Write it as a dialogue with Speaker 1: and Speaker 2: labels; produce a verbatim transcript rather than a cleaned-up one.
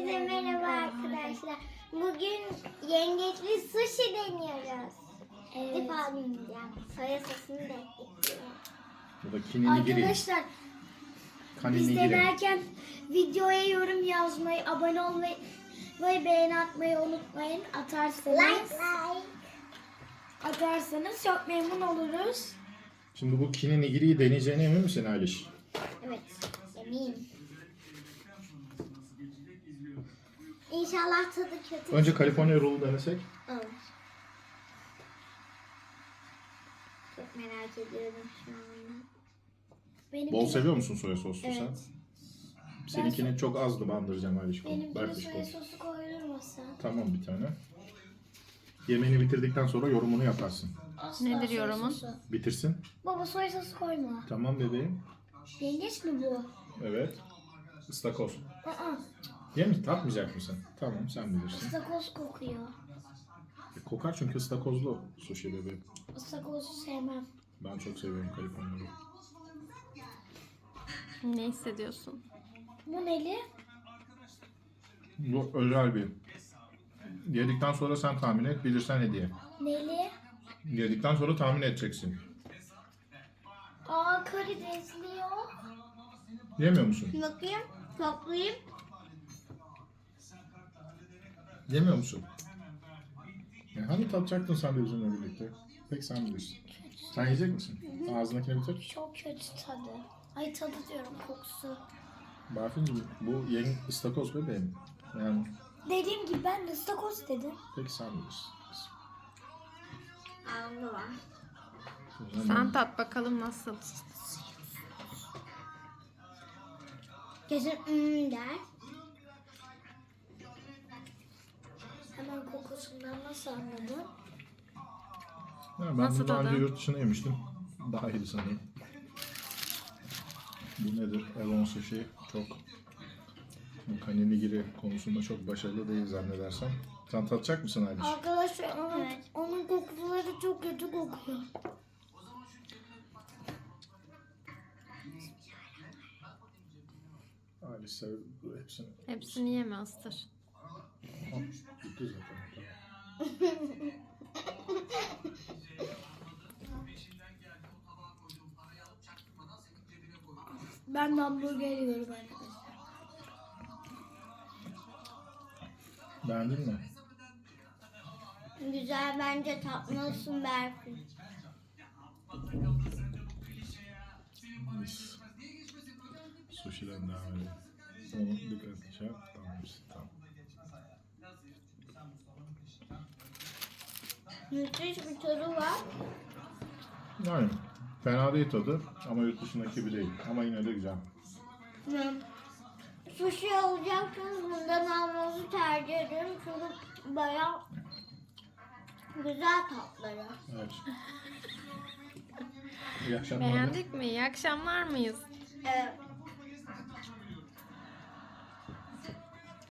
Speaker 1: Hepinize merhaba arkadaşlar. Bugün yengeçli sushi deniyoruz. Evet. İlk defa deneyeceğim. Soya sosunu da ekliyorum.
Speaker 2: Bu da kinenigiri.
Speaker 3: Arkadaşlar biz
Speaker 2: Kaninigiri.
Speaker 3: denerken videoya yorum yazmayı, abone olmayı ve beğeni atmayı unutmayın. Atarsanız,
Speaker 1: Like like.
Speaker 3: atarsanız çok memnun oluruz.
Speaker 2: Şimdi bu kinenigiriyi deneyeceğine emin misin Aliş?
Speaker 1: Evet, eminim. İnşallah tadı kötü.
Speaker 2: Önce California Roll'u denesek.
Speaker 1: Olur. Çok merak ediyorum şu anda.
Speaker 3: Benimkini,
Speaker 2: Bol seviyor musun soya soslu
Speaker 1: Evet.
Speaker 2: sen? Seninkini çok azdı bandıracağım Alişko.
Speaker 3: benimkine
Speaker 2: Bırak
Speaker 3: soya
Speaker 2: işte.
Speaker 3: sosu koydurmasa.
Speaker 2: Tamam bir tane. Yemeğini bitirdikten sonra yorumunu yaparsın.
Speaker 3: Asla
Speaker 4: Nedir
Speaker 3: soya
Speaker 4: yorumun?
Speaker 3: sosu.
Speaker 2: Bitirsin.
Speaker 3: Baba soya sosu koyma.
Speaker 2: Tamam bebeğim.
Speaker 3: Yengeç mi bu?
Speaker 2: Evet. Istakoz.
Speaker 3: Aa,
Speaker 2: Ye mi? Tatmayacak mısın? Tamam sen bilirsin.
Speaker 3: ıstakoz kokuyor.
Speaker 2: E, kokar çünkü ıstakozlu sushi bebeğim.
Speaker 3: Istakozu sevmem.
Speaker 2: Ben çok seviyorum California Roll.
Speaker 4: Ne hissediyorsun?
Speaker 3: Bu neli?
Speaker 2: Bu özel bir. Yedikten sonra sen tahmin et, bilirsen hediye.
Speaker 3: Neli?
Speaker 2: Yedikten sonra tahmin edeceksin.
Speaker 3: Aa, karidesli o.
Speaker 2: Yemiyor musun?
Speaker 1: Bakayım, toplayayım.
Speaker 2: Yemiyor musun? Ya hani tatacaktın sen de bizimle birlikte? Peki sen bilirsin. Sen yiyecek misin? Ağzındakini bitir.
Speaker 3: Çok kötü tadı. Ay tadı diyorum, kokusu.
Speaker 2: Barfincim bu yeni ıstakoz bebeğim. Yani
Speaker 3: Dediğim gibi ben de ıstakoz dedim.
Speaker 2: peki sen bilirsin.
Speaker 1: Ağzı var.
Speaker 2: O zaman
Speaker 4: Sen tat bakalım nasıl?
Speaker 1: Kesin ımm der.
Speaker 3: Hemen kokusundan nasıl anladın?
Speaker 2: Ya ben
Speaker 4: Nasıl
Speaker 2: bunu daha önce
Speaker 4: tadı?
Speaker 2: yurt dışına yemiştim. Daha iyiydi sanırım. Bu nedir? Evon Sushi çok bu kanenigiri konusunda çok başarılı değil zannedersem. Sen tatacak mısın Aliş?
Speaker 3: Arkadaşlar onun,
Speaker 1: Evet.
Speaker 3: onun kokuları çok kötü kokuyor.
Speaker 2: Aliş sev bu hepsini.
Speaker 4: Hepsini yeme ıstır.
Speaker 2: Al, bitti zaten. Tamam.
Speaker 3: Ben de hamburger yiyorum arkadaşlar.
Speaker 2: Beğendin mi?
Speaker 1: Güzel, bence tatmalısın Berfin.
Speaker 2: Biz sushi'den devam edelim. Onu dikkatli şey yap. Tamam işte tamam.
Speaker 1: Müthiş bir tadı var.
Speaker 2: Yani fena değil tadı ama yurt dışındaki gibi değil. Ama yine de güzel.
Speaker 1: Hmm. Sushi alacaksınız, bundan almanızı tercih ediyorum çünkü bayağı güzel tatları.
Speaker 2: Evet. İyi akşamlar.
Speaker 4: Beğendik mi? İyi akşamlar mıyız?
Speaker 1: Evet.